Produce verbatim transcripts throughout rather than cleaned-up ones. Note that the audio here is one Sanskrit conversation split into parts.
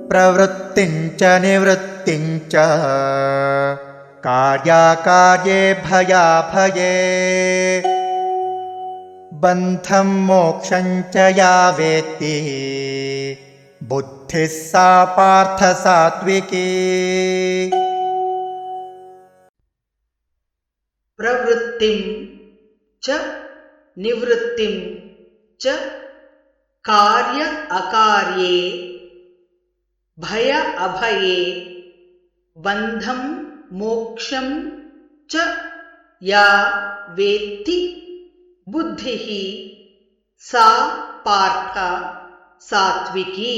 प्रवृत्तिञ्च निवृत्तिञ्च कार्याकार्ये भयाभये बन्धं मोक्षं च या वेत्ति बुद्धिः सा पार्थ सात्विकी। प्रवृत्तिं च निवृत्तिं च कार्य अकार्ये भय अभये बन्धं मोक्षं च या वेत्ति बुद्धिः सा पार्थ सात्विकी।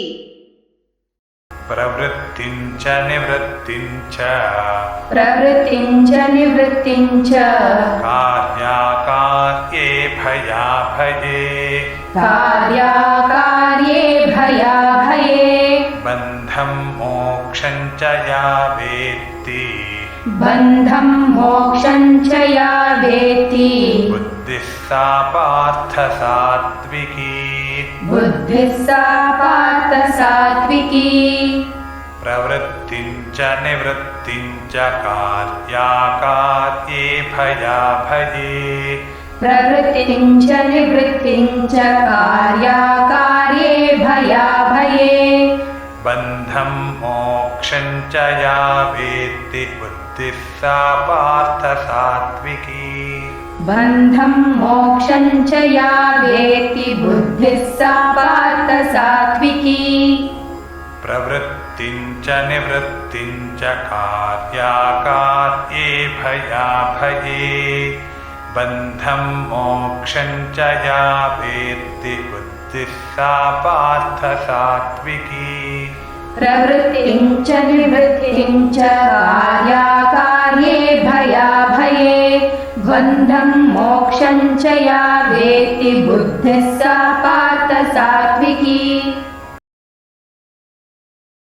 प्रवृत्तिञ्च निवृत्तिञ्च प्रवृत्तिञ्च निवृत्तिञ्च कार्याकार्ये भयाभये कार्याकार्ये भयाभये बन्धं मोक्षं च या वेत्ति बन्धं मोक्षं च या वेत्ति बुद्धिः सा पार्थ सात्विकी। बुद्धिः सा पार्थ सात्विकी। प्रवृत्तिञ्च निवृत्तिञ्च कार्याकार्ये भयाभये प्रवृत्तिञ्च निवृत्तिञ्च कार्याकार्ये भयाभये बन्धं मोक्षं च या वेत्ति बुद्धिः सा पार्थ सात्विकी। बन्धं मोक्षं च या वेत्ति बुद्धिः सा पार्थ सात्विकी। प्रवृत्तिञ्च निवृत्तिञ्च कार्याकार्ये भयाभये बन्धं मोक्षं च या वेत्ति बुद्धिः सा पार्थ सात्विकी। प्रवृत्तिञ्च निवृत्तिञ्च कार्याकार्ये भयाभये बन्धं मोक्षं च या वेत्ति बुद्धिः सा पार्थ सात्विकी।